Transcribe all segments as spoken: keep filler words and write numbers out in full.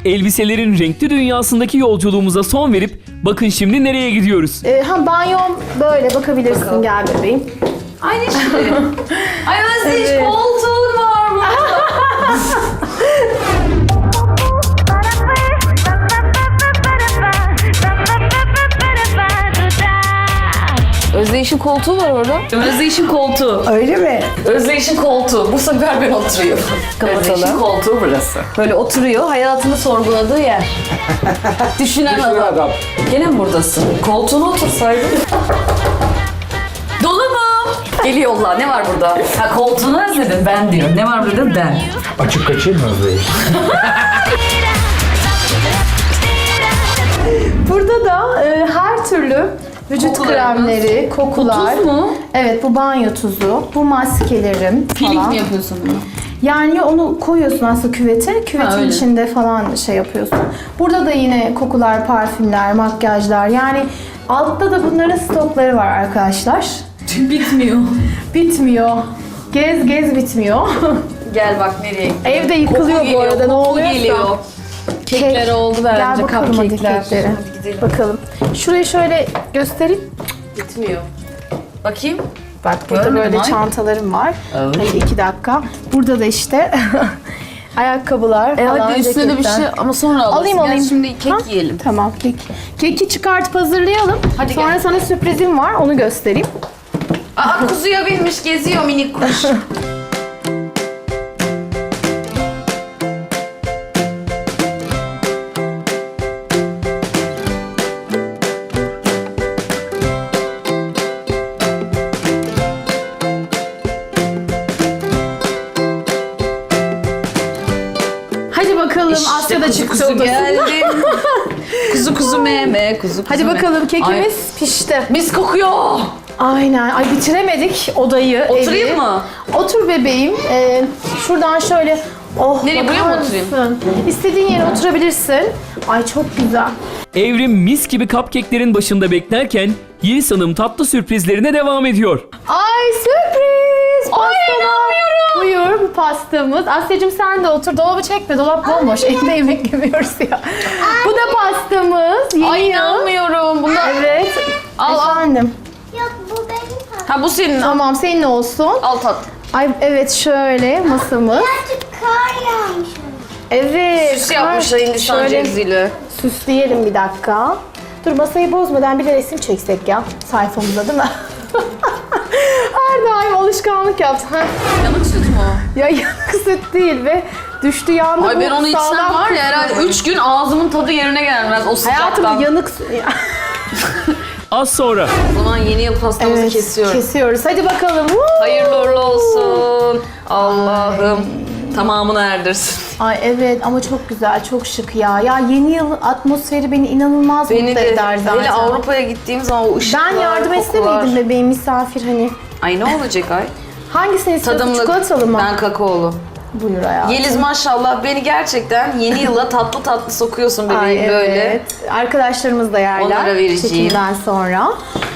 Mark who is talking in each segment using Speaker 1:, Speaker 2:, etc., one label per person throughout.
Speaker 1: elbiselerin renkli dünyasındaki yolculuğumuza son verip bakın şimdi nereye gidiyoruz.
Speaker 2: Ee, ha banyom böyle bakabilirsin.
Speaker 3: Bakalım.
Speaker 2: Gel bebeğim.
Speaker 3: Ay ne şirin. Ay Özdeş
Speaker 2: Evet.
Speaker 3: koltuğun var burada. Özdeyiş'in koltuğu var orada. Özdeyiş'in koltuğu.
Speaker 2: Öyle mi?
Speaker 3: Özdeyiş'in koltuğu. Bu sefer ben oturuyorum. Özdeyiş'in
Speaker 2: Kapatalım.
Speaker 3: koltuğu burası. Böyle oturuyor, hayatını sorguladığı yer. Düşünen adam. Gene mi buradasın? Koltuğuna otursaydın. Dolu mu? Geliyorlar. Ne var burada? Ha koltuğunu özledin. Ben diyor. Ne var burada? Ben.
Speaker 4: Açık kaçayım mı Özdeyiş?
Speaker 2: Burada da e, her türlü vücut
Speaker 3: Kokularımız.
Speaker 2: kremleri, kokular.
Speaker 3: Bu tuz mu?
Speaker 2: Evet, bu banyo tuzu, bu maskelerim
Speaker 3: Peeling
Speaker 2: falan.
Speaker 3: mi yapıyorsun bunu?
Speaker 2: Yani onu koyuyorsun aslında küvete, küvetin
Speaker 3: Ha, öyle.
Speaker 2: içinde falan şey yapıyorsun. Burada da yine kokular, parfümler, makyajlar. Yani altta da bunların stokları var arkadaşlar.
Speaker 3: Bitmiyor.
Speaker 2: Bitmiyor. Gez gez bitmiyor.
Speaker 3: Gel bak nereye gidiyor.
Speaker 2: Evde yıkılıyor
Speaker 3: Koku
Speaker 2: bu arada,
Speaker 3: geliyor,
Speaker 2: ne
Speaker 3: koku
Speaker 2: oluyorsa.
Speaker 3: geliyor. Kekler oldu bence.
Speaker 2: Gel bakalım hadi
Speaker 3: cupcake'ler.
Speaker 2: keklere.
Speaker 3: Hadi gidelim.
Speaker 2: Bakalım. Şurayı şöyle göstereyim.
Speaker 3: Bitmiyor. Bakayım.
Speaker 2: Bak burada
Speaker 3: Görmedim,
Speaker 2: böyle
Speaker 3: ay.
Speaker 2: çantalarım var.
Speaker 3: Evet.
Speaker 2: Hadi iki dakika. Burada da işte ayakkabılar
Speaker 3: E
Speaker 2: falan.
Speaker 3: hadi üstüne de bir
Speaker 2: ceketler.
Speaker 3: şey ama sonra alırsın.
Speaker 2: Alayım
Speaker 3: Gel
Speaker 2: alayım.
Speaker 3: şimdi kek
Speaker 2: Ha?
Speaker 3: yiyelim.
Speaker 2: Tamam kek. Keki çıkartıp hazırlayalım.
Speaker 3: Hadi
Speaker 2: Sonra
Speaker 3: gel.
Speaker 2: sana sürprizim var, onu göstereyim.
Speaker 3: Aa kuzuya binmiş geziyor minik kuş.
Speaker 2: Hadi bakalım,
Speaker 3: İşte
Speaker 2: Asya da
Speaker 3: kuzu
Speaker 2: çıktı
Speaker 3: kuzu
Speaker 2: odasından.
Speaker 3: geldim. kuzu kuzu meme, kuzu kuzu
Speaker 2: Hadi
Speaker 3: meme.
Speaker 2: bakalım, kekimiz
Speaker 3: Ay,
Speaker 2: pişti.
Speaker 3: mis kokuyor.
Speaker 2: Aynen. Ay bitiremedik odayı,
Speaker 3: Oturayım
Speaker 2: evi.
Speaker 3: mı?
Speaker 2: Otur bebeğim. Ee, şuradan şöyle... Oh,
Speaker 3: Nereye, buraya
Speaker 2: bakar
Speaker 3: mı oturayım?
Speaker 2: mısın? İstediğin yere oturabilirsin. Ay çok güzel.
Speaker 1: Evrim mis gibi cupcake'lerin başında beklerken Yeliz Hanım tatlı sürprizlerine devam ediyor.
Speaker 2: Ay sürpriz! Ay inanmıyorum. Buyur bu pastamız. Asya'cığım sen de otur. Dolabı çekme. Dolap bomboş. Evde yemek yemiyoruz ya. Bu da pastamız. Yeni
Speaker 3: Ay
Speaker 2: yıl.
Speaker 3: inanmıyorum. Bunda...
Speaker 2: Evet.
Speaker 3: Al, al.
Speaker 2: Efendim.
Speaker 5: Yok bu benim tatlım.
Speaker 3: Ha bu senin.
Speaker 2: Tamam senin olsun.
Speaker 3: Al tat.
Speaker 2: Ay evet şöyle masamız.
Speaker 5: Birazcık kar yağmış.
Speaker 2: Evet.
Speaker 3: Süs yapmışlar Hindistan
Speaker 2: Şöyle
Speaker 3: ceviziyle.
Speaker 2: süsleyelim bir dakika. Dur masayı bozmadan bir de resim çeksek ya sayfamıza değil mi? Her daim alışkanlık yaptım. Ha.
Speaker 3: Yanık süt mü o?
Speaker 2: Ya yanık süt değil ve düştü yandı.
Speaker 3: Ay
Speaker 2: bu
Speaker 3: ben onu içsem
Speaker 2: sağlam
Speaker 3: var ya
Speaker 2: kısmı.
Speaker 3: herhalde üç gün ağzımın tadı yerine gelmez o sıcaktan.
Speaker 2: Hayatım yanık...
Speaker 1: Az sonra
Speaker 3: O zaman yeni yıl pastamızı
Speaker 2: Evet,
Speaker 3: kesiyorum.
Speaker 2: kesiyoruz. Hadi bakalım. Woo!
Speaker 3: Hayırlı uğurlu olsun. Allah'ım tamamını erdirsin.
Speaker 2: Ay evet ama çok güzel, çok şık ya. Ya yeni yıl atmosferi beni inanılmaz
Speaker 3: Beni
Speaker 2: mutlu
Speaker 3: de
Speaker 2: eder zaten.
Speaker 3: hele Avrupa'ya gittiğim zaman o ışıklar,
Speaker 2: Ben yardım
Speaker 3: kokular.
Speaker 2: etsemeydim bebeğim misafir hani.
Speaker 3: Ay ne olacak ay?
Speaker 2: Hangisini istiyorsun?
Speaker 3: Tadımlık.
Speaker 2: Çikolatalı mı?
Speaker 3: Ben kakaolu.
Speaker 2: Buyur hayatım.
Speaker 3: Yeliz maşallah beni gerçekten yeni yıla tatlı tatlı sokuyorsun bebeğim
Speaker 2: Ay, evet.
Speaker 3: böyle.
Speaker 2: Arkadaşlarımız da yerler.
Speaker 3: Onlara vereceğim.
Speaker 2: Çekimden sonra.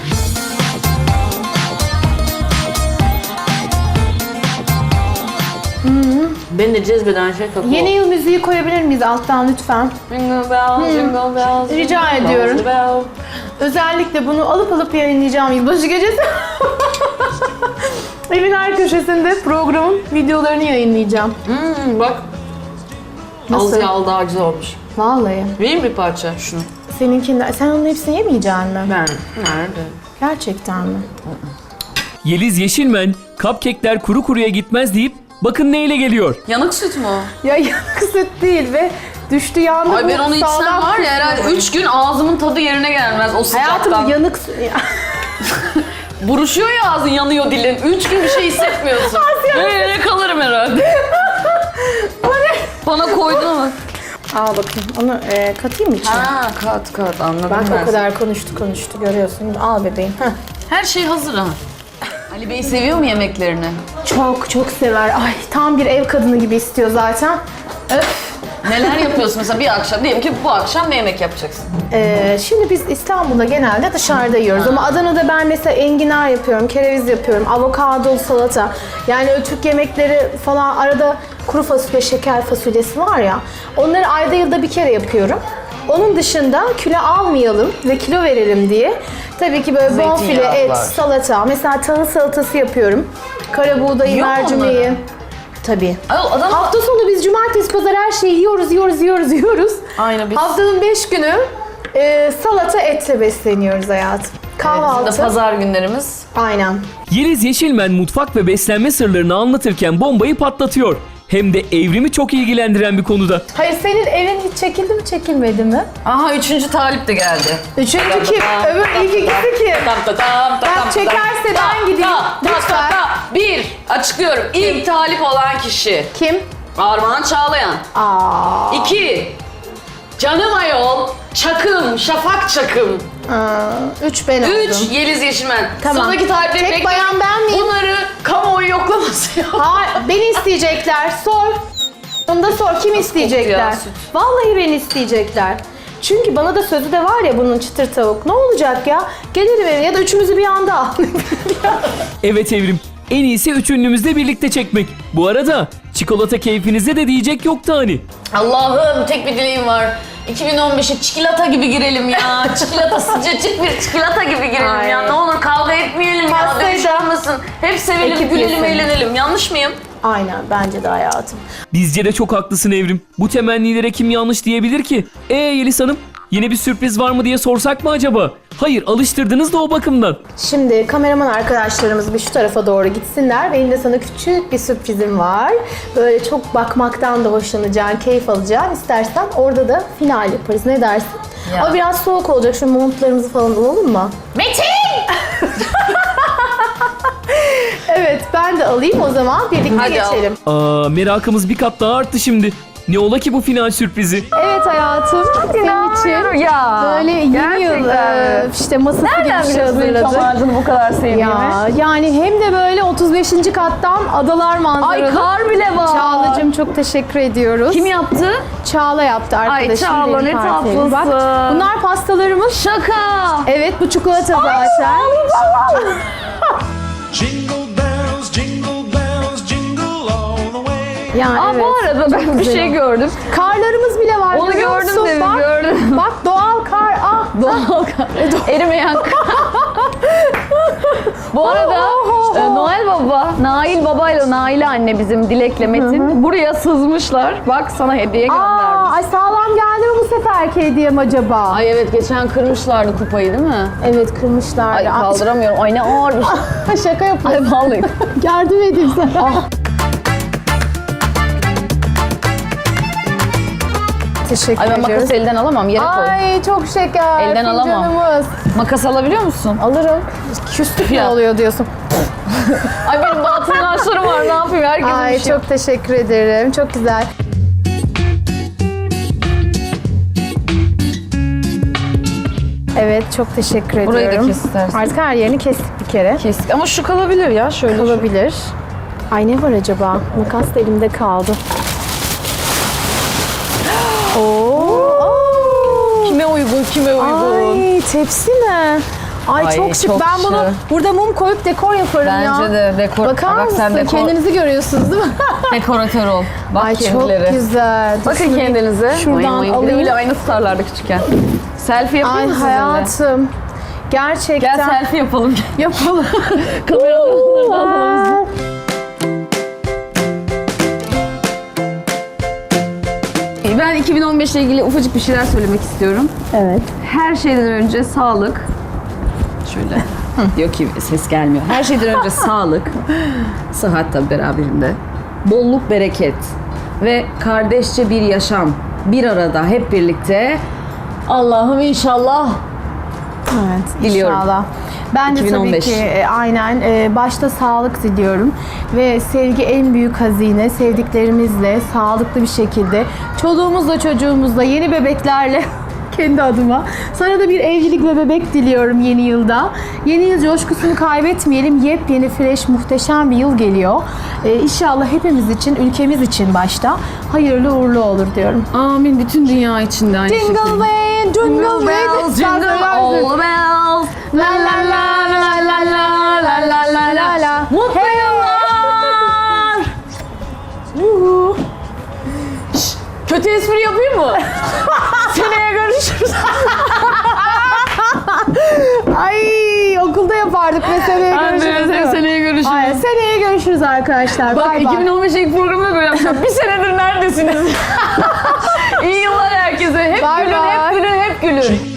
Speaker 3: Beni de cezbeden şey kakao.
Speaker 2: Yeni yıl müziği koyabilir miyiz alttan lütfen?
Speaker 3: Jingle bells, jingle bells,
Speaker 2: Rica
Speaker 3: jingle
Speaker 2: ediyorum.
Speaker 3: bells, bell.
Speaker 2: Özellikle bunu alıp alıp yayınlayacağım yılbaşı gecesi. Evin her köşesinde programın videolarını yayınlayacağım.
Speaker 3: Hmm, bak.
Speaker 2: Nasıl?
Speaker 3: Az yağlı daha güzel olmuş.
Speaker 2: Vallahi.
Speaker 3: Vereyim bir parça şunu.
Speaker 2: Seninkinden. Sen onun hepsini yemeyeceksin mi?
Speaker 3: Ben. Nerede?
Speaker 2: Gerçekten mi?
Speaker 1: Yeliz Yeşilmen cupcake'ler kuru kuruya gitmez deyip bakın neyle geliyor.
Speaker 3: Yanık süt mü o?
Speaker 2: Ya yanık süt değil ve düştü yandı.
Speaker 3: Ay
Speaker 2: bu
Speaker 3: ben onu içsem
Speaker 2: sağlam
Speaker 3: var ya
Speaker 2: kısmı.
Speaker 3: herhalde üç gün ağzımın tadı yerine gelmez o sıcaktan.
Speaker 2: Hayatım yanık süt. Ya.
Speaker 3: Buruşuyor ya ağzın, yanıyor dilin. Üç gün bir şey hissetmiyorsun. Böyle kalırım herhalde. Bana koydun ama.
Speaker 2: Al bakayım. Onu e, katayım mı içine?
Speaker 3: Ha kat kat anladım
Speaker 2: Bak
Speaker 3: ben.
Speaker 2: o kadar konuştu konuştu görüyorsun. Al bebeğim. Heh.
Speaker 3: Her şey hazır ha. Ali Bey seviyor mu yemeklerini?
Speaker 2: Çok çok sever. Ay tam bir ev kadını gibi istiyor zaten. Öf.
Speaker 3: Neler yapıyorsun mesela bir akşam? Diyelim ki bu akşam ne yemek yapacaksın?
Speaker 2: Ee, şimdi biz İstanbul'da genelde dışarıda yiyoruz ama Adana'da ben mesela enginar yapıyorum, kereviz yapıyorum, avokado salata. Yani o Türk yemekleri falan arada kuru fasulye, şeker fasulyesi var ya. Onları ayda yılda bir kere yapıyorum. Onun dışında kilo almayalım ve kilo verelim diye. Tabii ki böyle bonfile,
Speaker 3: Zeytinyağı
Speaker 2: et,
Speaker 3: var.
Speaker 2: salata. Mesela tahıl salatası yapıyorum. Kara buğdayı,
Speaker 3: Yiyor mu
Speaker 2: mercimeği.
Speaker 3: onları?
Speaker 2: Tabii.
Speaker 3: Ay, adam
Speaker 2: Hafta sonu biz cumartesi, pazar her şeyi yiyoruz, yiyoruz, yiyoruz, yiyoruz.
Speaker 3: Aynı biz.
Speaker 2: Haftanın beş günü e, salata etle besleniyoruz hayatım. Kahvaltı.
Speaker 3: Bizim de pazar günlerimiz.
Speaker 2: Aynen.
Speaker 1: Yeliz Yeşilmen mutfak ve beslenme sırlarını anlatırken bombayı patlatıyor. Hem de Evrim'i çok ilgilendiren bir konuda.
Speaker 2: Hayır, senin evin hiç çekildi mi, çekilmedi mi?
Speaker 3: Aha üçüncü talip de geldi.
Speaker 2: Üçüncü kim? Öbür ilk ikisi kim?
Speaker 3: Tam tam tam tam
Speaker 2: Bak, çekerse ben gideyim. Lütfen.
Speaker 3: Bir, açıklıyorum. İlk talip olan kişi
Speaker 2: Kim?
Speaker 3: Armağan Çağlayan.
Speaker 2: Aa.
Speaker 3: İki, Canım Ayol, Çakım, Şafak Çakım.
Speaker 2: Aa, üç ben oldum.
Speaker 3: Üç, Yeliz Yeşilmen.
Speaker 2: Tamam.
Speaker 3: Sonraki talipleri
Speaker 2: Tek
Speaker 3: bekleyin.
Speaker 2: bayan ben miyim?
Speaker 3: Bunları kamuoyu yoklaması yap.
Speaker 2: Hayır, beni isteyecekler. Sor. Onu da sor. Kim isteyecekler?
Speaker 3: ya, süt.
Speaker 2: Vallahi beni isteyecekler. Çünkü bana da sözü de var ya bunun, çıtır tavuk. Ne olacak ya? Gelirim eve ya da üçümüzü bir anda al.
Speaker 1: Evet Evrim, en iyisi üç ünlümüzle birlikte çekmek. Bu arada çikolata keyfinize de diyecek yoktu hani.
Speaker 3: Allah'ım tek bir dileğim var. iki bin on beşe çikolata gibi girelim ya. Çikolata sıcacık bir çikolata gibi girelim
Speaker 2: Ay.
Speaker 3: ya. Ne olur kavga etmeyelim ya.
Speaker 2: Pastayı
Speaker 3: Dövüş
Speaker 2: da
Speaker 3: olmasın. Hep sevelim,
Speaker 2: ekip
Speaker 3: gülelim,
Speaker 2: yesin.
Speaker 3: eğlenelim. Yanlış mıyım?
Speaker 2: Aynen, bence de hayatım.
Speaker 1: Bizce de çok haklısın Evrim. Bu temennilere kim yanlış diyebilir ki? Ee Yeliz Hanım, yine bir sürpriz var mı diye sorsak mı acaba? Hayır, alıştırdınız da o bakımdan.
Speaker 2: Şimdi kameraman arkadaşlarımız bir şu tarafa doğru gitsinler. Benim de sana küçük bir sürprizim var. Böyle çok bakmaktan da hoşlanacağın, keyif alacağın. İstersen orada da final yaparız. Ne dersin?
Speaker 3: Ya.
Speaker 2: Ama biraz soğuk olacak. Şu montlarımızı falan alalım mı?
Speaker 3: Metin!
Speaker 2: Evet, ben de alayım o zaman. Birlikte
Speaker 3: Hadi al.
Speaker 2: geçelim.
Speaker 1: Aa, merakımız bir kat daha arttı şimdi. Ne ola ki bu final sürprizi?
Speaker 2: Evet hayatım, senin için
Speaker 3: Ya.
Speaker 2: böyle yeni yıl e, işte masası gibi bir şey hazırladık.
Speaker 3: bu kadar sevdiğimi?
Speaker 2: Ya yani hem de böyle otuz beşinci kattan adalar manzaralı.
Speaker 3: Ay kar bile var.
Speaker 2: Çağla'cığım çok teşekkür ediyoruz.
Speaker 3: Kim yaptı?
Speaker 2: Çağla yaptı arkadaşım.
Speaker 3: Çağla,
Speaker 2: benim
Speaker 3: ne
Speaker 2: partnerim. Bak,
Speaker 3: tatlısın.
Speaker 2: bunlar pastalarımız.
Speaker 3: Şaka.
Speaker 2: Evet, bu çikolata zaten.
Speaker 4: Jingle bells, jingle bells, jingle all the way.
Speaker 2: Yani
Speaker 3: Aa,
Speaker 2: evet.
Speaker 3: bu arada ben bir
Speaker 2: güzel
Speaker 3: şey
Speaker 2: o.
Speaker 3: gördüm.
Speaker 2: Karlarımız bile var.
Speaker 3: Onu
Speaker 2: görüyor
Speaker 3: gördüm
Speaker 2: musun?
Speaker 3: dedim,
Speaker 2: Bak,
Speaker 3: gördüm.
Speaker 2: Bak doğal kar. Ah.
Speaker 3: Doğal kar. Erimeyen kar. Bu arada
Speaker 2: Oh, oh,
Speaker 3: e,
Speaker 2: oh.
Speaker 3: Noel Baba, Nail Baba ile Nail anne bizim Dilek'le Metin buraya sızmışlar. Bak sana hediye
Speaker 2: Aa,
Speaker 3: göndermiş.
Speaker 2: ay sağlam geldi mi bu seferki hediyem acaba?
Speaker 3: Ay evet geçen kırmışlardı kupayı değil mi?
Speaker 2: Evet, kırmışlar.
Speaker 3: Ay kaldıramıyorum. Ay ne ağır bir şey.
Speaker 2: Şaka yapıyorum.
Speaker 3: Ay vallahi.
Speaker 2: Yardım edeyim sana. Teşekkür
Speaker 3: Ay ben
Speaker 2: ediyoruz.
Speaker 3: makası elden alamam yere koy.
Speaker 2: Ay çok şeker.
Speaker 3: Elden alamam.
Speaker 2: Fincanımız.
Speaker 3: Makas alabiliyor musun?
Speaker 2: Alırım. Küslük ne
Speaker 3: Ya.
Speaker 2: oluyor diyorsun.
Speaker 3: Ay benim batıl inançlarım var ne yapayım herkesin
Speaker 2: Ay
Speaker 3: bir şey.
Speaker 2: çok teşekkür ederim. Çok güzel. Evet, çok teşekkür
Speaker 3: Burayı da
Speaker 2: ediyorum.
Speaker 3: kes istersen.
Speaker 2: Artık her yerini kestik bir kere.
Speaker 3: Kestik ama şu kalabilir ya şöyle.
Speaker 2: Olabilir. Ay ne var acaba? Makas da elimde kaldı. Oo.
Speaker 3: Kime uygun kime uygun.
Speaker 2: Ay tepsi mi? Ay,
Speaker 3: Ay,
Speaker 2: çok şık.
Speaker 3: çok
Speaker 2: Ben bunu
Speaker 3: şık.
Speaker 2: burada mum koyup dekor yaparım ya.
Speaker 3: Bence de dekor.
Speaker 2: Bakar
Speaker 3: Bak
Speaker 2: mısın?
Speaker 3: sen dekor.
Speaker 2: Kendinizi görüyorsunuz değil mi?
Speaker 3: Dekoratör ol. Bak
Speaker 2: Ay
Speaker 3: kendileri.
Speaker 2: çok güzel.
Speaker 3: Bakın
Speaker 2: Şunu
Speaker 3: kendinize.
Speaker 2: Şuradan
Speaker 3: Oy, oy. Bir de
Speaker 2: alayım.
Speaker 3: Öyle aynı tutarlardı küçükken. Selfie yapayım
Speaker 2: Ay
Speaker 3: mı sizinle?
Speaker 2: hayatım. Gerçekten.
Speaker 3: Gel selfie yapalım.
Speaker 2: Yapalım.
Speaker 3: Kameralarını alalım. Ben iki bin on beş ile ilgili ufacık bir şeyler söylemek istiyorum.
Speaker 2: Evet.
Speaker 3: Her şeyden önce sağlık. Şöyle. Diyor ki ses gelmiyor. Her şeyden önce sağlık. Sıhhat tabii beraberinde. Bolluk, bereket. Ve kardeşçe bir yaşam. Bir arada hep birlikte. Allah'ım inşallah.
Speaker 2: Evet,
Speaker 3: Diliyorum.
Speaker 2: inşallah. Ben de
Speaker 3: iki bin on beş.
Speaker 2: tabii ki e, aynen e, başta sağlık diliyorum ve sevgi en büyük hazine. Sevdiklerimizle sağlıklı bir şekilde çoluğumuzla çocuğumuzla yeni bebeklerle kendi adıma sana da bir evlilik ve bebek diliyorum yeni yılda. Yeni yıl coşkusunu kaybetmeyelim. Yepyeni, fresh, muhteşem bir yıl geliyor. E, İnşallah hepimiz için, ülkemiz için başta hayırlı uğurlu olur diyorum.
Speaker 3: Amin. Bütün dünya içinde aynı
Speaker 2: Jingle bell, jingle bells,
Speaker 3: jingle all bells.
Speaker 2: La la la la la la la la la la la.
Speaker 3: Mutlu yıllar. Kötü espri yapayım mı? Seneye görüşürüz.
Speaker 2: Ay okulda yapardık ve seneye görüşürüz. değil mi?
Speaker 3: seneye görüşürüz.
Speaker 2: Hayır, seneye görüşürüz arkadaşlar.
Speaker 3: Bak
Speaker 2: Bay bay.
Speaker 3: iki bin on beş ilk programda böyle yapacağım. Bir senedir neredesiniz? İyi yıllar herkese. Hep
Speaker 2: Bay
Speaker 3: gülün,
Speaker 2: bay.
Speaker 3: hep gülün, hep gülün.